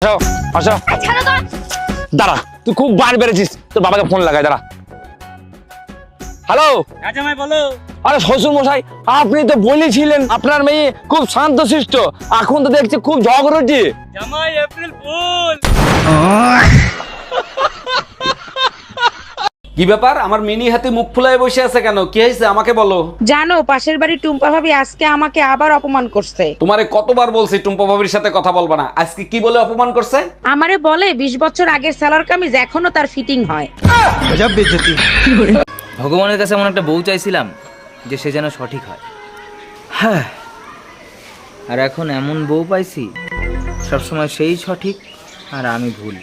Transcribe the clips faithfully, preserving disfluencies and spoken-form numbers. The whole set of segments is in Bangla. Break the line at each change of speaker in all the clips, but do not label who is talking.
আসো দাঁড়া, তুই খুব বার বেড়েছিস, তোর বাবাকে ফোন লাগাই, দাঁড়া। হ্যালো
জামাই বলো।
আরে শ্বশুর মশাই, আপনি তো বলেছিলেন আপনার মেয়ে খুব শান্তশিষ্ট, এখন তো দেখছি খুব ঝগড়টি।
জামাই এপ্রিল ফুল।
কি ব্যাপার, আমার মিনি হাতে মুখ ফুলায় বসে আছে কেন? কি হয়েছে আমাকে বলো।
জানো পাশের বাড়ির টুম্পা ভাবি আজকে আমাকে আবার অপমান করছে।
তোমারে কতবার বলছি টুম্পা ভাবির সাথে কথা বলবা না, আজকে কি বলে অপমান করছে?
আমারে বলে বিশ বছর আগের সালোয়ার কামিজ এখনো তার ফিটিং হয়।
ভগবানের কাছে এমন একটা বউ চাইছিলাম যে সে যেন সঠিক হয়। হ্যাঁ, আর এখন এমন বউ পাইছি সবসময় সেই সঠিক আর আমি ভুল।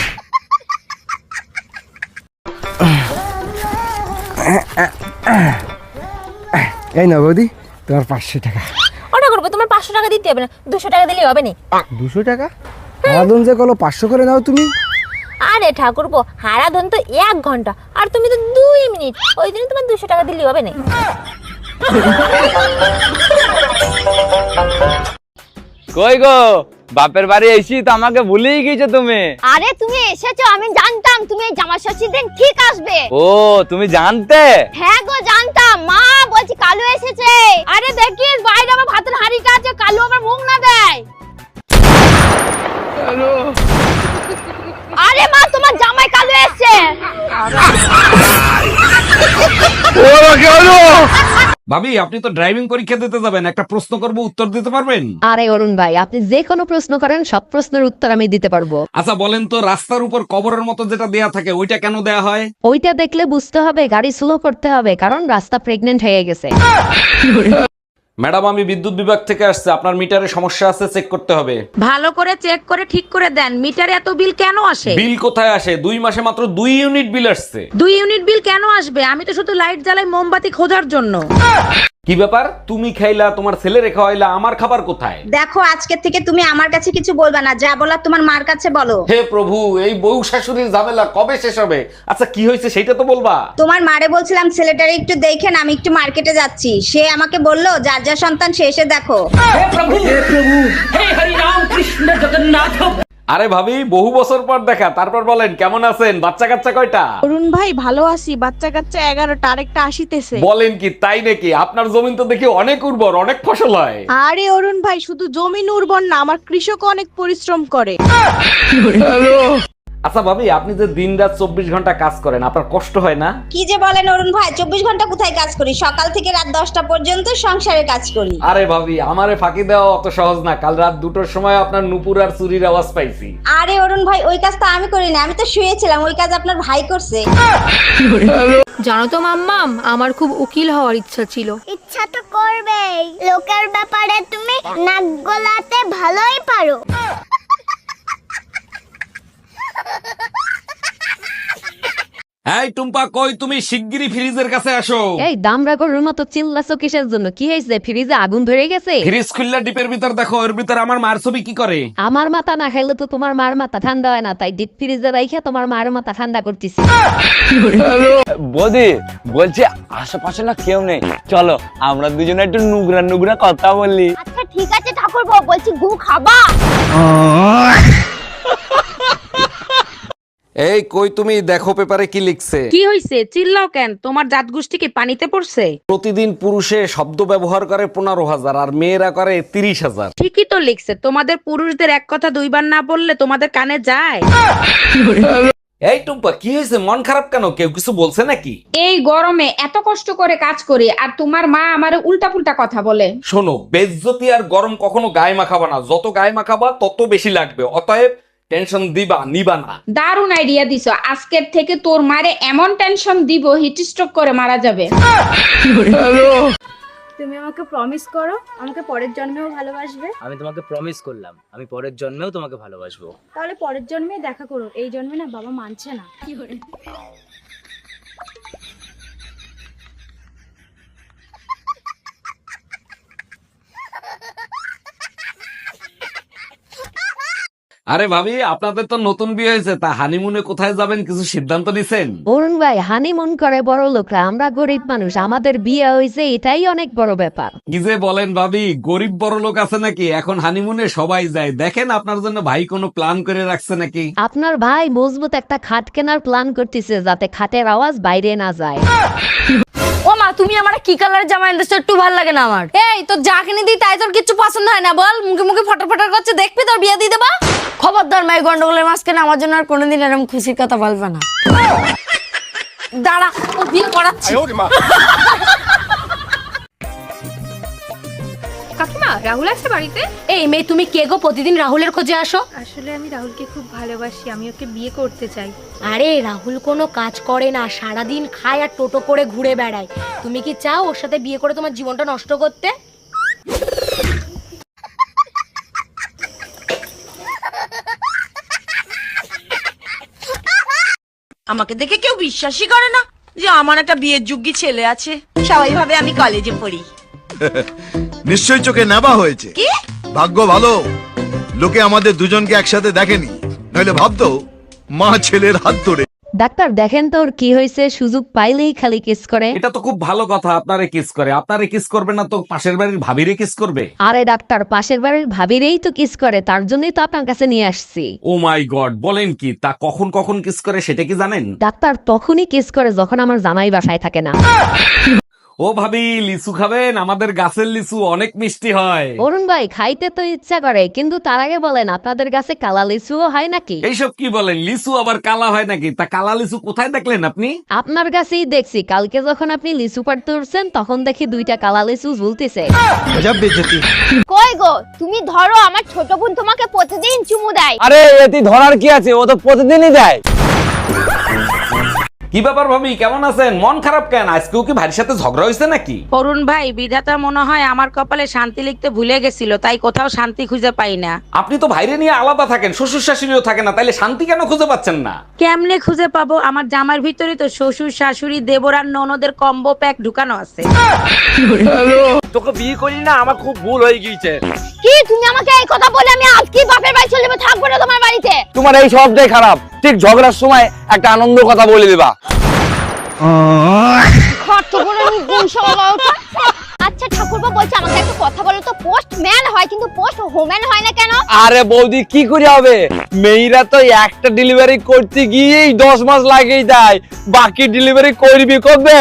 এই না বৌদি, তোমার পাঁচশো টাকা।
ওটা করবো, তোমার পাঁচশো টাকা দিতে হবে না, দুশো টাকা দিলেই হবে না।
দুশো টাকা? সারাদিন যে কলো পাঁচশো করে নাও তুমি।
আরে ঠাকুরপো, হারাধন তো এক ঘন্টা আর তুমি তো দুই মিনিট, ওই দিনে তোমার দুশো টাকা দিলেই হবে না।
কই গো, বাপের বাড়ি এসি তো আমাকে ভুলেই গেছো তুমি।
আরে তুমি এসেছো, আমি জানতাম তুমি এই জামা ষষ্ঠীর দিন ঠিক আসবে।
ও তুমি জানতে?
হ্যাঁ গো জানতাম, মা বলছি কালু এসেছে। আরে দেখিস বাইরে আমার ভাতের হাঁড়ি কাছে, কালু আমার মুখ না দেয়। আরে মা তোমার জামাই কালু এসেছে।
ভাবি, আপনি তো ড্রাইভিং পরীক্ষা দিতে যাবেন, একটা প্রশ্ন করব, উত্তর দিতে পারবেন?
আরে অরুণ ভাই, আপনি যে কোনো প্রশ্ন করেন সব প্রশ্নের উত্তর আমি দিতে পারবো।
আচ্ছা বলেন তো, রাস্তার উপর কবরের মতো যেটা দেয়া থাকে ওইটা কেন দেয়া হয়?
ওইটা দেখলে বুঝতে হবে গাড়ি স্লো করতে হবে, কারণ রাস্তা প্রেগনেন্ট হয়ে গেছে।
ম্যাডাম, আমি বিদ্যুৎ বিভাগ থেকে আসছে, আপনার মিটারে সমস্যা আছে, চেক করতে হবে।
ভালো করে চেক করে ঠিক করে দেন, মিটারে এত বিল কেন আসে?
বিল কোথায় আসে? দুই মাসে মাত্র দুই ইউনিট বিল আসছে।
দুই ইউনিট বিল কেন আসবে? আমি তো শুধু লাইট জ্বালাই মোমবাতি খোঁজার জন্য।
কি ব্যাপার, তুমি খাইলা, তোমার ছেলে রেখা হইলা, আমার খাবার কোথায়?
দেখো আজকে থেকে তুমি আমার কাছে কিছু বলবা না, যা বলার তোমার মার কাছে বলো।
হে প্রভু, এই বউ শাশুড়ির ঝামেলা কবে শেষ হবে? আচ্ছা কি হয়েছে সেটা তো বলবা।
তোমার মারে বলছিলাম ছেলেটারে একটু দেখেন, আমি একটু মার্কেটে যাচ্ছি। সে আমাকে বললো যার যা সন্তান সে এসে দেখো।
আরে ভাবি, বহু বছর পর দেখা, তারপর বলেন কেমন আছেন? বাচ্চা কাচ্চা কয়টা?
অরুণ ভাই ভালো আছি, বাচ্চা কাচ্চা এগারোটা, আরেকটা আসিতেছে।
বলেন কি, তাই নাকি? আপনার জমিন তো দেখি অনেক উর্বর, অনেক ফসল হয়।
আরে অরুণ ভাই, শুধু জমিন উর্বর না, আমার কৃষক অনেক পরিশ্রম করে।
আচ্ছা ভাবি, আপনি যে দিন রাত চব্বিশ ঘন্টা কাজ করেন, আপনার কষ্ট হয় না?
কি যে বলেন অরুণ ভাই, চব্বিশ ঘন্টা কোথায় কাজ করি? সকাল থেকে রাত দশটা পর্যন্ত সংসারে কাজ করি।
আরে ভাবি, আমারে ফাঁকি দেওয়া অত সহজ না। কাল রাত দুটোর সময় আপনার নুপুর আর চুরির আওয়াজ পাইছি।
আরে অরুণ ভাই, ওই কাজ তো আমি করি না, আমি তো শুয়েছিলাম, ওই কাজ আপনার ভাই করছে।
জানো তো মাম্মাম, আমার খুব উকিল হওয়ার ইচ্ছা ছিল।
ইচ্ছা তো করবেই, লোকের ব্যাপারে তুমি নাক গলাতে ভালোই পারো।
এই টুম্পা, কই তুমি? শিগগিরই ফ্রিজের কাছে আসো।
এই দামরা গরুর মতো চিল্লাছো কিসের জন্য? কি হয়েছে? ফ্রিজে আগুন ধরে গেছে?
ফ্রিজ খুললা ডিপের ভিতর দেখো, এর ভিতর আমার মার ছবি কি করে?
আমার মাথা না খাইলে তো তোমার মার মাথা ঠান্ডা হয় না, তাই ডিপ ফ্রিজে রাইখা তোমার মার মাথা ঠান্ডা করতেছি।
বৌদি বলছি আশেপাশে না কেউ নেই, চলো আমরা দুজনে একটু নুগরা নুগরা কথা বলি।
আচ্ছা ঠিক আছে ঠাকুরপো, বলছি গু খাবা?
এই কই তুমি, দেখো পেপারে কি লিখছে।
কি হইছে? চিল্লাও কেন? তোমার জাত গোষ্ঠী কি পানিতে পড়ছে?
প্রতিদিন পুরুষে শব্দ ব্যবহার করে পনেরো হাজার আর মেয়েরা করে তিরিশ হাজার।
ঠিকই তো লিখছে, তোমাদের পুরুষদের এক কথা দুইবার না বললে তোমাদের কানে যায়।
এই টুম্পা, কি হয়েছে? মন খারাপ কেন? কেউ কিছু বলছে নাকি?
এই গরমে এত কষ্ট করে কাজ করি আর তোমার মা আমারে উল্টা পুল্টা কথা বলে।
শোনো, বেজ্জতি আর গরম কখনো গায়ে মাখাবা না, যত গায়ে মাখাবা তত বেশি লাগবে, অতএব টেনশন দিবা নিবা না।
দারুণ আইডিয়া দিছো, আজকের থেকে তোর মারে এমন টেনশন দিব হিট স্ট্রোক করে মারা যাবে।
তুমি আমাকে প্রমিস করো আমাকে পরের জন্মেও ভালোবাসবে।
আমি তোমাকে প্রমিস করলাম আমি পরের জন্মেও তোমাকে ভালোবাসবো।
তাহলে পরের জন্মে দেখা করো, এই জন্মে না বাবা মানছে না।
আরে ভাবি, আপনাদের তো নতুন বিয়ে হয়েছে, তা হানিমুনে কোথায় যাবেন কিছু সিদ্ধান্ত নিছেন?
অরুণ ভাই হানিমুন করে বড় লোকরা, আমরা গরিব মানুষ, আমাদের বিয়ে হয়েছে এটাই অনেক বড় ব্যাপার।
কি যে বলেন ভাবি, গরিব বড় লোক আছে নাকি? এখন হানিমুনে সবাই যায়। দেখেন আপনার জন্য ভাই কোনো প্ল্যান করে রাখছে নাকি?
আপনার ভাই মজবুত একটা খাট কেনার প্ল্যান করতেছে যাতে খাটের আওয়াজ বাইরে না যায়।
ও মা, তুমি আমার কি কালার জামা এনেছো? একটু ভালো লাগে না আমার। এই তোর যা কিনে দিই তাই তোর কিছু পছন্দ হয় না? বল, মুখে মুখে ফটার ফটার করছে, দেখবি তোর বিয়ে দিয়ে দেবা। খবরদার মাই গন্ডগোলের মাঝখানে আমার জন্য আর কোনোদিন এরকম খুশির কথা বলবে না। দাঁড়া, ও বিয়ে করাচ্ছি।
কাকিমা, রাহুল আছে বাড়িতে?
এই মেয়ে, তুমি কে গো? প্রতিদিন রাহুলের খোঁজে আসো।
আসলে আমি রাহুলকে খুব ভালোবাসি, আমি ওকে বিয়ে করতে চাই।
আরে রাহুল কোনো কাজ করে না, সারাদিন খায় আর টোটো করে ঘুরে বেড়ায়। তুমি কি চাও ওর সাথে বিয়ে করে তোমার জীবনটা নষ্ট করতে?
আমাকে দেখে কেউ বিশ্বাসই করে না যে আমার একটা বিয়ের যোগ্য ছেলে আছে। সবাই ভাবে আমি কলেজে পড়ি।
নিশ্চয়ই চোখে নেবা হয়েছে।
কি
ভাগ্য ভালো, লোকে আমাদের দুজনকে একসাথে দেখেনি, নইলে ভাবতো মা ছেলের হাত ধরে।
ডাক্তার দেখেন তো ওর কি হয়েছে, সুযোগ পাইলেই খালি কিস করে।
এটা তো খুব ভালো কথা, আপনারে কিস করে। আপনারে কিস করবে না তো পাশের বাড়ির ভাবিরে কিস করবে?
আরে ডাক্তার, পাশের বাড়ির ভাবিরেই তো কিস করে, তার জন্যই তো আপনার কাছে নিয়ে আসছি।
ও মাই গড, বলেন কি? তা কখন কখন কিস করে সেটা কি জানেন?
ডাক্তার তখনই কিস করে যখন আমার জামাই বাসায় থাকে না।
ও ভাবি, লিচু খাবেন? আমাদের গাছের লিচু অনেক মিষ্টি হয়।
অরুণ ভাই খাইতে তো ইচ্ছা করে, কিন্তু তার আগে বলেন আপনাদের কাছে কালা লিচুও হয় নাকি?
এইসব কি বলেন? লিচু আবার কালা হয় নাকি? তা কালা লিচু কোথায় দেখলেন আপনি?
আপনার কাছেই দেখছি, কালকে যখন আপনি লিচু পাড়তে উঠছেন তখন দেখি দুইটা কালা লিচু ঝুলতেছে।
কই গো, তুমি ধরো, আমার ছোট বোন তোমাকে প্রতিদিন চুমু দেয়।
আরে এতে ধরার কি আছে, ও তো প্রতিদিনই দেয়।
কি ব্যাপার ভাবি, কেমন আছেন? মন খারাপ কেন? আজকেও কি ভাইয়ের সাথে ঝগড়া হয়েছে নাকি?
অরুণ ভাই, বিধাতা মনে হয় আমার কপালে শান্তি লিখতে ভুলে গেছিল, তাই কোথাও শান্তি খুঁজে পাই না।
আপনি তো ভাইরে নিয়ে আলাদা থাকেন, শ্বশুর শাশুড়িও থাকে না, তাইলে শান্তি কেন খুঁজে পাচ্ছেন না?
কেমনে খুঁজে পাবো? আমার জামার ভিতরে তো শ্বশুর শাশুড়ি দেবর আর ননদের কম্বো প্যাক ঢুকানো আছে।
তোকে বিয়ে করি না, আমার খুব ভুল হয়ে গিয়েছে।
কি তুমি আমাকে এই কথা বলে আমি আজকে বাপের বাড়ি চলে যাবো, থাকবো না তোমার বাড়িতে?
তোমার এই সবটাই খারাপ। ঠিক ঝগড়ার সময় একটা আনন্দ কথা বলে দিবা।
আচ্ছা ঠাকুরপো, বলছে আমাকে একটা কথা বলো তো, পোস্টম্যান হয় কিন্তু পোস্ট হোম্যান হয় না কেন?
আরে বৌদি, কি করে হবে? মেয়েরা তো একটা ডেলিভারি করতে গিয়েই দশ মাস লাগেই যায়, বাকি ডেলিভারি করবি কবে?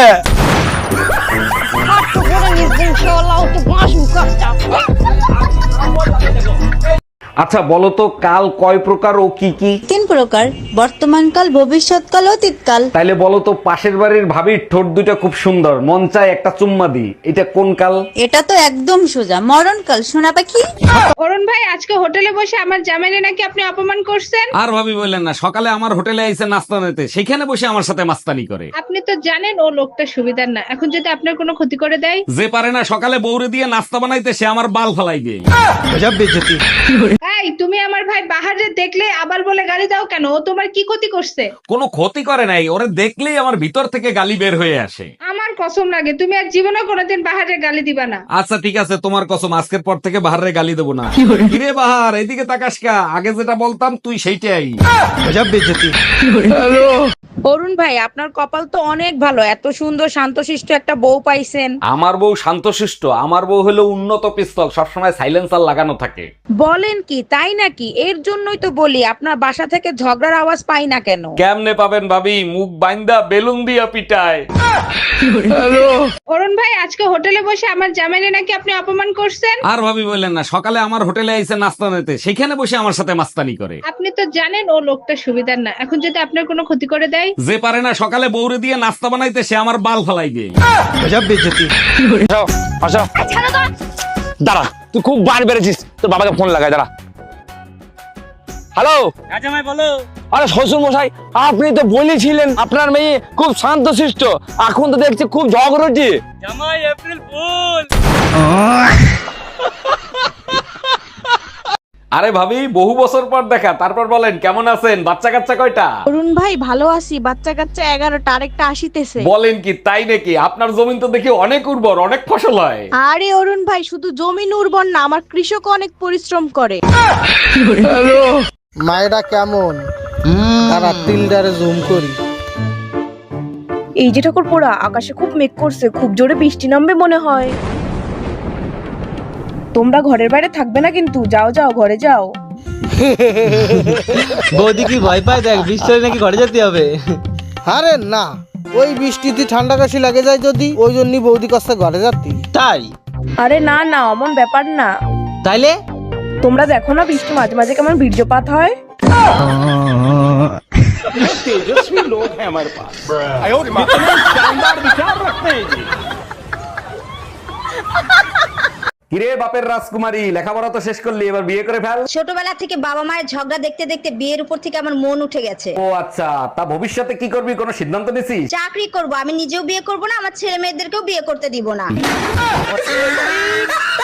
আচ্ছা বলো তো, কাল কয় প্রকার ও কি কি?
তিন প্রকার, বর্তমান কাল, ভবিষ্যৎ কাল, অতীত কাল।
তাইলে বলো তো, পাশের বাড়ির ভাবির ঠোঁট দুটা খুব সুন্দর, মন চায় একটা চুম্মা দি, এটা কোন কাল?
এটা তো একদম সোজা, মরণ কাল। শোনা পাখি।
অরুণ ভাই, আজকে হোটেলে বসে আমার জামাইরে নাকি আপনি অপমান করছেন।
আর ভাবি বললেন না, সকালে আমার হোটেলে আইসে নাস্তা নিতে, সেখানে বসে আমার সাথে মাস্তানি করে।
আপনি তো জানেন ও লোকটা সুবিধার না, এখন যদি আপনার কোনো ক্ষতি করে দেয়।
যে পারে না সকালে বউরে দিয়ে নাস্তা বানাইতে, সে আমার বাল ফালাইবে।
এই, তুমি আমার ভাই বাহারে দেখলে আবার বলে গালি দাও কেন? ও তোমার কি ক্ষতি করছে?
কোনো ক্ষতি করে নাই, ওরে দেখলেই আমার ভিতর থেকে গালি বের হয়ে আসে।
আমার কসম লাগে, তুমি আর জীবনে কোনোদিন বাহারে গালি দিবা না।
আচ্ছা ঠিক আছে, তোমার কসম, আজকের পর থেকে বাহারে গালি দেবো না। কিরে বাহার, এদিকে তাকাস কা? আগে যেটা বলতাম তুই সেইটাই।
অরুণ ভাই, আপনার কপাল তো অনেক ভালো, এত সুন্দর শান্তশিষ্ট একটা বউ পাইছেন।
আমার বউ শান্তশিষ্ট? আমার বউ হলো উন্নত পিস্তল, সবসময় সাইলেন্সার লাগানো থাকে।
বলেন কি, তাই নাকি? এর জন্যই তো বলি আপনার বাসা থেকে ঝগড়ার আওয়াজ পাই না কেন।
কেমনে পাবেন ভাবি? মুখ বাইন্দা বেলুন দিয়া পিটায়।
অরুণ ভাই, আজকে হোটেলে বসে আমার জামাইরে নাকি আপনি অপমান করছেন।
আর ভাবি বললেন না, সকালে আমার হোটেলে আইসে নাস্তা নিতে, সেখানে বসে আমার সাথে মাস্তানি করে।
আপনি তো জানেন ও লোকটা সুবিধার না, এখন যদি আপনার কোনো ক্ষতি করে দেয়।
যে পারে না সকালে বউরে দিয়ে নাস্তা বানাইতে, সে আমার বাল ফালাইবে।
আসো, দাঁড়া, তুই খুব বার বেড়েছিস, তোর বাবাকে ফোন লাগাই, দাঁড়া। হ্যালো
হ্যাঁ জামাই বলো।
আরে শ্বশুর মশাই, আপনি তো বলেছিলেন আপনার মেয়ে খুব শান্তশিষ্ট, এখন তো দেখছি খুব ঝগড়টি।
জামাই এপ্রিল ফুল।
আরে ভাবি, বহু বছর পর দেখা, তারপর বলেন কেমন আছেন? বাচ্চা কাচ্চা কয়টা?
অরুণ ভাই, ভালো আছি, বাচ্চা কাচ্চা এগারোটা, আরেকটা আসিতেছে।
বলেন কি, তাই নাকি? আপনার জমিন তো দেখি অনেক উর্বর, অনেক ফসল হয়।
আরে অরুণ ভাই, শুধু জমিন উর্বর না, আমার কৃষক অনেক পরিশ্রম করে।
মায়েরা কেমন তারা তিলডারে জুম করি।
এই যে ঠাকুর পোড়া, আকাশে খুব মেঘ করছে, খুব জোরে বৃষ্টি নামবে মনে হয়। তোমরা ঘরের বাইরে থাকবে না কিন্তু, যাও যাও ঘরে যাও।
বৌদি কি ভয় পায়? দেখ বৃষ্টি হলে নাকি ঘরে যেতে হবে।
আরে না, ওই বৃষ্টিতে ঠান্ডা কাশি লাগে যায় যদি, ওই জন্যই বৌদি কাছে ঘরে যাতি।
তাই?
আরে না না, অমন ব্যাপার না।
তাইলে
তোমরা দেখো না বৃষ্টি মাঝে মাঝে কেমন বীর্যপাত হয়।
কিরে বাপের রাজকুমারী, লেখাপড়া তো শেষ করলি, এবার বিয়ে করে ফেল।
ছোটবেলা থেকে বাবা মায়ের ঝগড়া দেখতে দেখতে বিয়ের উপর থেকে আমার মন উঠে গেছে।
ও আচ্ছা, তা ভবিষ্যতে কি করবি, কোনো সিদ্ধান্ত নিছিস?
চাকরি করব, আমি নিজেও বিয়ে করব না, আমার ছেলে মেয়েদেরকেও বিয়ে করতে দিব না।